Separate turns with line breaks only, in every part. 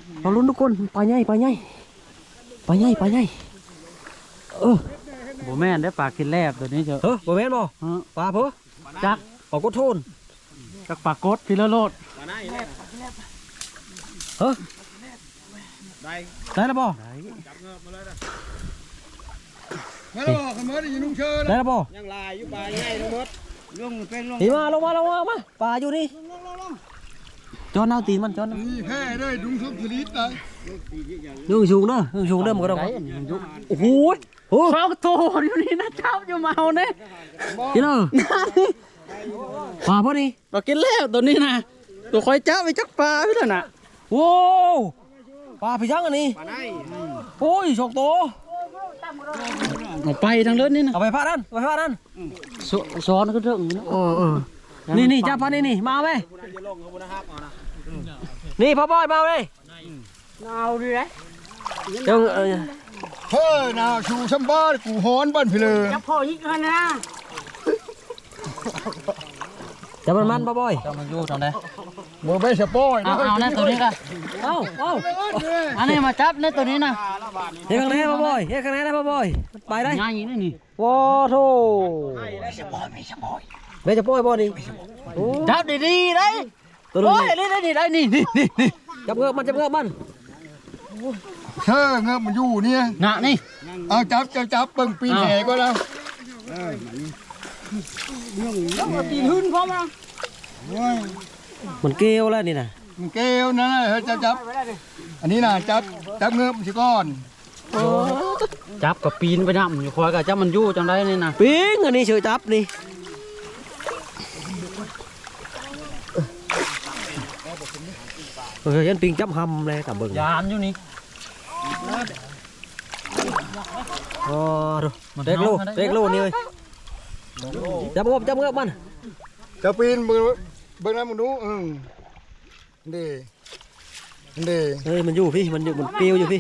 เราลุ้นทุกคนปลาใหญ่ปลาใหญ่ปลาใหญ่ปลาใหญ่
บ่แม่นได้ปลากินแลบตัวนี้เถอะ
บ่แม่นบ่ปลาเพ้อจักออกกดโทน
จักปลากดพิลโลด
ได้แล้วบ่
มาแล้วขมอดอยู่นุ่งเชิญ
ได้แล้วบ่
ยังลายอยู่ปลาใหญ่ทั้งหมดลงเป็นลง
นี่มาลงมาปลาอยู่นี่จอนเอาตีนมันจอน
นี่แค่ได้ดุงทุบผลิตเลย
นึ่งชูงเด้อมันก็ต้องโอ้โห
เขาโตอยู่นี่นะเจ้าอยู่มาเอาเนี่ย
กินเลยปลาพอดี
ปลากินแลบตัวนี้นะตัวคอยเจ้าไปจักปลาพี่ล่ะน่ะ
โว้ปลาพี่ช่างอันนี้โอ้ยโชคโต
เอาไปทางเลือดนี่นะ
เอาไปพาดัน
ซ้อนก็เรื่องนี้
นี่จับปลานี่มาไหมนี่พ่อบอยมาเลย
เอาดิเลย
จัง
เฮ้ยนาชูชัมบ้านกูฮ้อนบ้านพี่เลย
จับพ่อยิงกันนะ
จับมันพ่อบอย
จับมันอยู่ทางไหน
บ่ไม่สปอย
เอาเนี่ยตัวนี้กัน
เอา
อันนี้มาจับเนี่ยตัวนี้นะ
เฮ้ยข้างในพ่อบอยพ่อบอยไปได้
ง่ายอย่างนี้นี่
ว้าโธ่ไม่จะปล่อยบ่นี่
จับดีๆได้
ตัวนี้
ได้นี่
จับเงือกมัน
เชื่อเงือกมันอยู่เนี่ย
งะนี่
เอาจับเบิ่งปีนแห่ก็แล้ว
ตีนหื้นพร้อมนะ
มันเกลียวแล้วนี่นะ
มันเกลียวนะเฮ้ยจับอันนี้นะจับเงือกมันสิก้อน
จับกับปีนไปน้ำอยู่คอยกับจับมันยู่จังได้นี่นะ
ปีนอันนี้เฉยจับนี่ยันปิงจับหำเลยกับเบิ่ง
ยานอยู่นี่
ดูเด็กโลนี่เลยจับเงือกมัน
จะปีนเบิ่งน้ำมันดูดี
เฮ้ยมันอยู่พี่มันเปรี้ยวอยู่พี่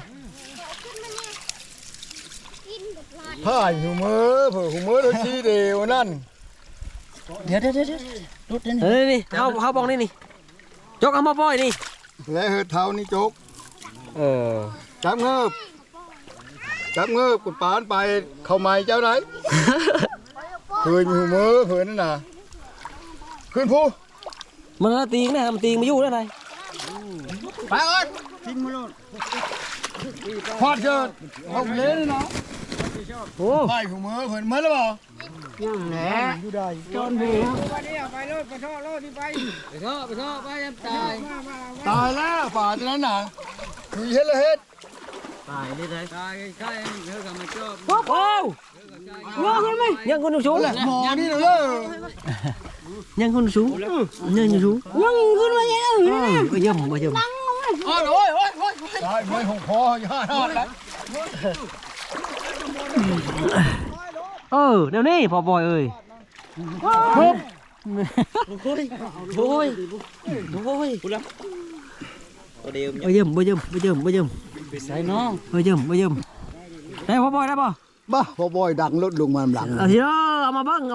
ผ้าหูมือหูมือโดนชี้เดียวนั่น
เดี๋ยวรุด
นี่นี่เขาบองนี่จกเอามาปล่อยนี่
และเฮือเท้านี่จกจับเงือบกดปานไปเข้าไม้เจ้าไหนเผื่อมีหูมือเผื่อนั่นน่ะขึ้นผู้
มันตีงนะมันตีงมาอยู่ได้ไง
ไปก่อนทิ้งมือลงพอดเชิญเอาเล่นเนาะโอ้ไปหูมือเผื่อมันแล้วเปล่า
ยังแหละ
อยู่ได้
จนหัว
ไปเลยไปท่อรถที่ไป
ท่อไปยังตาย
แล้วป่าตรงนั้นน่ะคือเฮ็ดเลยเฮ็ด
ตายได้เลยตายใกล้เยอะกับมันชอบ
ว้าวว้าวไหมยังคนสูง
หมอนี่เลย
ยังคนสูงยังสูง
ยังคนมาเยอะ
มาเยี่ยม
โอ้ย
ตายไม่หงคอย่าทอดแล้ว
เดี๋ยวนี้พอบอยเอ้ย
โอ้ย
มาเยี่ยม
ใส่น้อง
มาเยี่ยมได้พอบอยได้ป่ะ
บ้าพอบอยดังรถลงมาหลัง
ทีละเอามาบัง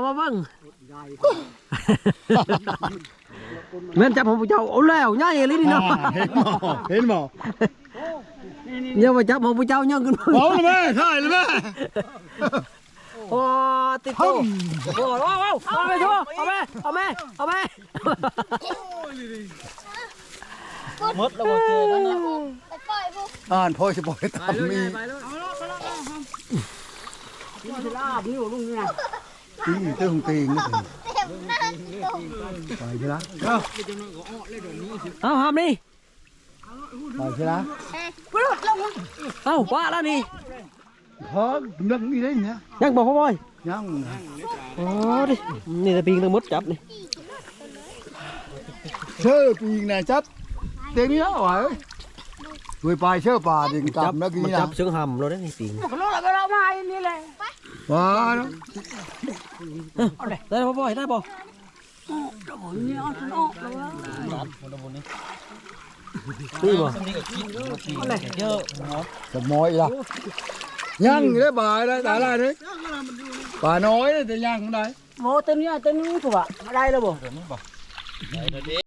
แม่นจับผมผู้เจ้าเอาแล้วง่ายเลยนี่เนาะ
เห็นหมอ
เนี่ยมาจับผมผู้เจ้าย่องขึ้น
เอาเลยแม่ใช่เลยแม่
โอ้ติดโต้ว้าวเอาไปทั่วเอาไป
มดแล้วบ่เจอแล้วนะ
พ่อจะปล่อยตามมี
ลาบนี่ลุงนี่นะ
ตีเต้าหงตีงนะไปใช่ไหม
เอาหามนี่
ไปใช่ไหม
เอาป้าแล้วนี่
พอยังนี่ได้เนี่ย
ยังบอกพ่อบอย
ยัง
โอ้ดินี่จะปีนมดจับนี่
เชื่อปีนจับเต็มแล้วเหรอด้วยปลายเชื่อปลาดิจับแล้วกี่
จับเชือกหำเราได้นี่ปีน
เรามาอันนี้เลย
ว้า
ได้พ่อบอยได้บ่
นี่เอาฉันออกแล้ว
นี่บ่
เยอะ
จะมอยละยังได้บ่ายได้แต่ละนี่ป่าน้อยแต่ยังได้
โมเต็มเนี่ยเต็มถูกป่ะได้แล้วบ่